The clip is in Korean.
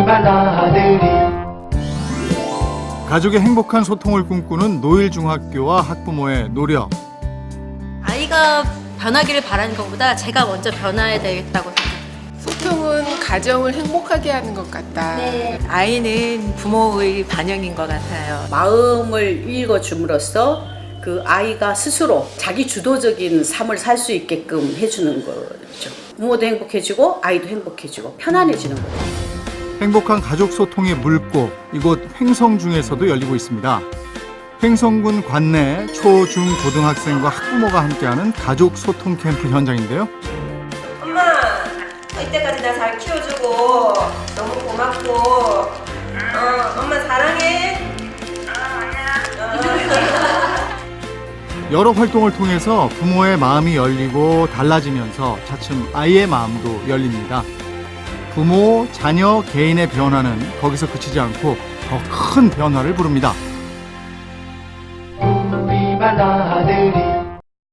우리만 아들이. 가족의 행복한 소통을 꿈꾸는 노일중학교와 학부모의 노력. 아이가 변하기를 바라는 것보다 제가 먼저 변화해야 되겠다고 생각해요. 소통은 가정을 행복하게 하는 것 같다. 아이는 부모의 반영인 것 같아요. 마음을 읽어줌으로써 그 아이가 스스로 자기 주도적인 삶을 살 수 있게끔 해주는 거죠. 부모도 행복해지고 아이도 행복해지고 편안해지는 거죠. 행복한 가족 소통의 물꽃, 이곳 횡성중에서도 열리고 있습니다. 횡성군 관내 초, 중, 고등학생과 학부모가 함께하는 가족 소통 캠프 현장인데요. 엄마, 이때까지 나 잘 키워주고 너무 고맙고 엄마 사랑해. 여러 활동을 통해서 부모의 마음이 열리고 달라지면서 차츰 아이의 마음도 열립니다. 부모, 자녀, 개인의 변화는 거기서 그치지 않고 더 큰 변화를 부릅니다. 우리만